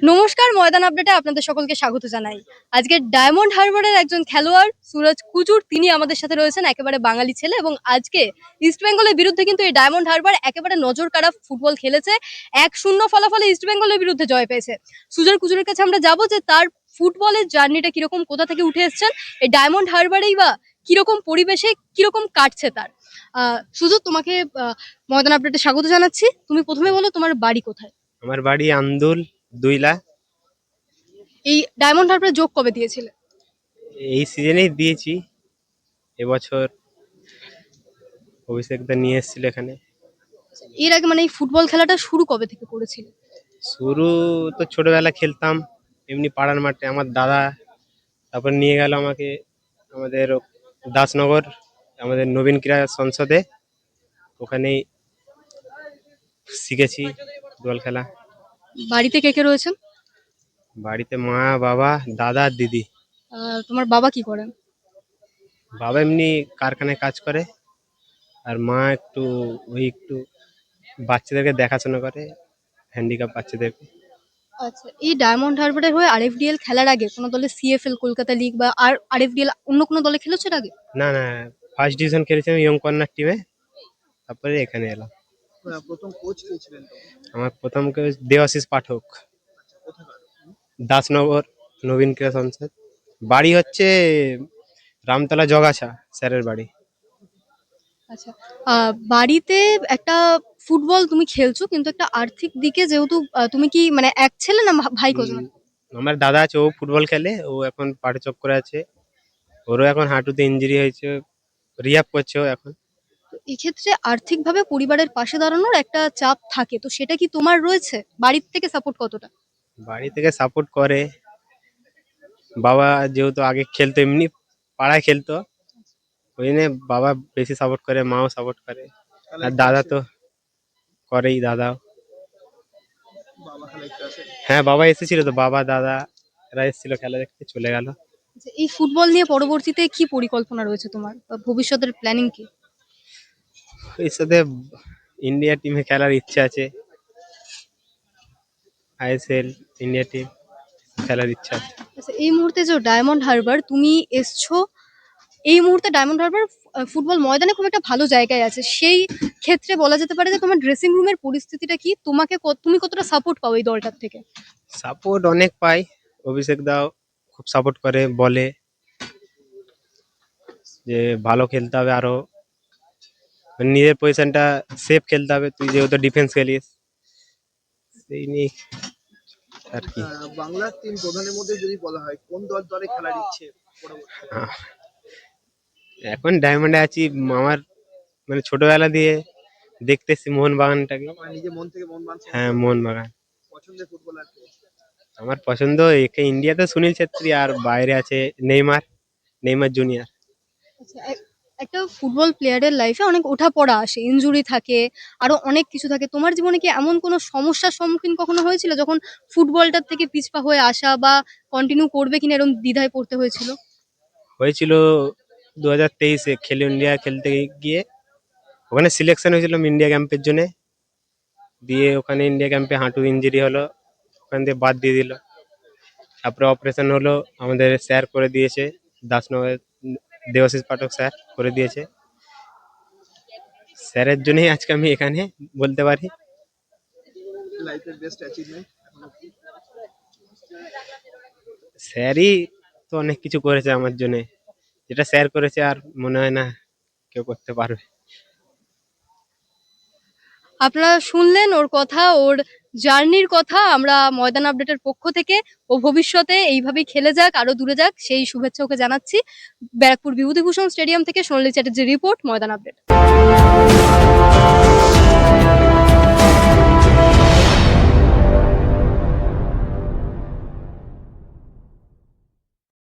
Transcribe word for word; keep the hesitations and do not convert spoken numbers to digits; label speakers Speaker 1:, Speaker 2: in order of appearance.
Speaker 1: নমস্কার, ময়দান আপডেটে আপনাদের সকলকে স্বাগত জানাই। আজকে ডায়মন্ড হারবারের একজন খেলোয়াড় সুরজ কুজুর তিনি আমাদের সাথে রয়েছেন, একেবারে বাঙালি ছেলে, এবং আজকে ইস্ট বেঙ্গলের বিরুদ্ধে কিন্তু এই ডায়মন্ড হারবার একেবারে নজর কাড়া ফুটবল খেলেছে। এক শূন্য ফলাফলে ইস্ট বেঙ্গলের বিরুদ্ধে জয় পেয়েছে। সুজয় কুজুরের কাছে আমরা যাবো যে তার ফুটবলের জার্নিটা কিরকম, কোথা থেকে উঠে এসছেন, এই ডায়মন্ড হারবারেই বা কিরকম পরিবেশে কিরকম কাটছে তার। আহ সুজয়, তোমাকে আহ, ময়দান আপডেটে স্বাগত জানাচ্ছি। তুমি প্রথমে বলো তোমার বাড়ি কোথায়।
Speaker 2: আমার বাড়ি আন্দুল দুইলা।
Speaker 1: এই ডায়মন্ড হারবারে যোগ কবে দিয়েছিলে?
Speaker 2: এই সিজনেই দিয়েছি। এবছর অভিষেক দা নিয়ে এসেছিল এখানে।
Speaker 1: এর আগে মানে এই ফুটবল খেলাটা শুরু কবে থেকে করেছিলে?
Speaker 2: শুরু তো ছোটবেলা খেলতাম এমনি পাড়ার মাঠে, আমার দাদা তারপর নিয়ে গেল আমাকে আমাদের দাসনগর, আমাদের নবীন ক্রীড়া সংসদে, ওখানেই শিখেছি ফুটবল খেলা।
Speaker 1: বাড়িতে কে কে রয়েছেন?
Speaker 2: বাড়িতে মা, বাবা, দাদা আর দিদি।
Speaker 1: আহ, তোমার বাবা কি করেন?
Speaker 2: বাবা এমনি কারখানায় কাজ করে, আর মা একটু ওই একটু বাচ্চাদেরকে দেখাশোনা করে, হ্যান্ডিক্যাপ বাচ্চাদেরকে।
Speaker 1: আচ্ছা, এই ডায়মন্ড হারবারের হয়ে আরএফডিএল খেলার আগে কোনো দলে সিএফএল কলকাতা লিগ বা আর আরএফডিএল অন্য কোনো দলে খেলেছো এর আগে?
Speaker 2: না না, ফার্স্ট ডিভিশন খেলেছিলাম ইয়ং কর্নার টিমে, তারপরে এখানে এলাম।
Speaker 3: আহ, প্রথম কোচ কে ছিলেন তখন?
Speaker 2: আমার প্রথম কোচ দেবাশিস পাঠক,
Speaker 3: কোথাকার?
Speaker 2: দাসনগর, নবীন ক্রীড়া সংসদ। বাড়ি হচ্ছে রামতলা জগাছা, স্যারের বাড়ি।
Speaker 1: আচ্ছা, আহ, বাড়িতে একটা ফুটবল তুমি খেলছো, কিন্তু একটা আর্থিক দিকে যেহেতু আহ, তুমি কি মানে এক ছেলে না ভা- ভাই কজন?
Speaker 2: উম, আমার দাদা আছে, ও ফুটবল খেলে, ও এখন পাটে চক্করে আছে, ওরও এখন হাঁটুতে ইঞ্জুরি হয়েছে, রিহাব করছে ও এখন।
Speaker 1: তো এক্ষেত্রে আর্থিকভাবে পরিবারের পাশে দাঁড়ানোর একটা চাপ থাকে, তো সেটা কি তোমার রয়েছে? বাড়ির থেকে সাপোর্ট কতটা?
Speaker 2: বাড়ি থেকে সাপোর্ট করে। বাবা যেহেতু আগে খেলতো, এমনি পাড়ায় খেলতো, ওই জন্য বাবা বেশি সাপোর্ট করে, মাও সাপোর্ট করে। আর
Speaker 3: খেলায়
Speaker 2: দাদা
Speaker 3: আসে?
Speaker 2: তো করেই, দাদাও।
Speaker 3: বাবা খেলা একটু আসে?
Speaker 2: হ্যাঁ, বাবা এসেছিল তো, বাবা দাদা এরা এসেছিল, খেলা দেখতে চলে গেল।
Speaker 1: আচ্ছা, এই ফুটবল নিয়ে পরবর্তীতে কি পরিকল্পনা রয়েছে তোমার, বা ভবিষ্যতের প্ল্যানিং কি?
Speaker 2: এর সাথে ইন্ডিয়া টিমে খেলার ইচ্ছা আছে, আইএসএল ইন্ডিয়া টিম খেলার ইচ্ছা আছে।
Speaker 1: আচ্ছা, এই মুহূর্তে যে ডায়মন্ড হারবার তুমি এসছো, এই মুহূর্তে ডায়মন্ড হারবার আহ, ফুটবল ময়দানে খুব একটা ভালো জায়গায় আছে। সেই ক্ষেত্রে বলা যেতে পারে যে তোমার ড্রেসিং রুমের পরিস্থিতিটা কি, তোমাকে কত- তুমি কতটা সাপোর্ট পাও এই দলটার থেকে?
Speaker 2: সাপোর্ট অনেক পাই, অভিষেক দাও খুব সাপোর্ট করে, বলে যে ভালো খেলতে হবে, আরো মানে নিজের পজিশনটা সেফ খেলতে হবে, তুই যেহেতু ডিফেন্স খেলিস, সেই নিয়ে আর কি।
Speaker 3: আহ, বাংলার তিন প্রধানের মধ্যে যদি বলা হয় কোন দল দলে খেলার ইচ্ছে পরবর্তী?
Speaker 2: আহ, এখন ডায়মন্ডে আছি, আমার মানে ছোটবেলা দিয়ে দেখতেছি মোহনবাগানটাকে।
Speaker 3: মানে নিজে মন থেকে মন মানছে?
Speaker 2: হ্যাঁ, মোহনবাগান
Speaker 3: পছন্দের ফুটবলার কে?
Speaker 2: আমার পছন্দ। একে ইন্ডিয়াতে সুনীল ছেত্রী, আর বাইরে আছে নেইমার, নেইমার জুনিয়র।
Speaker 1: আচ্ছা, এক- একটা ফুটবল প্লেয়ারের লাইফে অনেক ওঠাপড়া আসে, ইনজুরি থাকে, আরো অনেক কিছু থাকে। তোমার জীবনে কি এমন কোনো সমস্যার সম্মুখীন কখনো হয়েছিল যখন ফুটবলটার থেকে পিছপা হয়ে আসা বা কন্টিনিউ করবে কিনা এরকম দ্বিধায় পড়তে হয়েছিল?
Speaker 2: হয়েছিল দু হাজার তেইশে খেলো ইন্ডিয়া খেলতে গিয়ে, ওখানে সিলেকশন হয়েছিল ইন্ডিয়া ক্যাম্পের জন্য, দিয়ে ওখানে ইন্ডিয়া ক্যাম্পে হাঁটু ইঞ্জুরি হলো, ওখান দিয়ে বাদ দিয়ে দিল। তারপরে অপারেশন হলো, আমাদের স্যার করে দিয়েছে, দাসনগর দেবাশিস পাঠক স্যার করে দিয়েছে। স্যারের জন্যই আজকে আমি এখানে বলতে পারি।
Speaker 3: লাইফের বেস্ট অ্যাচিভমেন্ট
Speaker 2: স্যারই তো অনেক কিছু করেছে আমার জন্য, যেটা স্যার করেছে আর মনে হয় না কেউ করতে পারবে।
Speaker 1: আপনারা শুনলেন ওর কথা, ওর জার্নির কথা। আমরা ময়দান আপডেটের পক্ষ থেকে ও ভবিষ্যতে এইভাবেই খেলে যাক, আরো দূরে যাক, সেই শুভেচ্ছা ওকে জানাচ্ছি। ব্যারাকপুর বিভূতিভূষণ স্টেডিয়াম থেকে সোনালী চ্যাটার্জির রিপোর্ট, ময়দান আপডেট।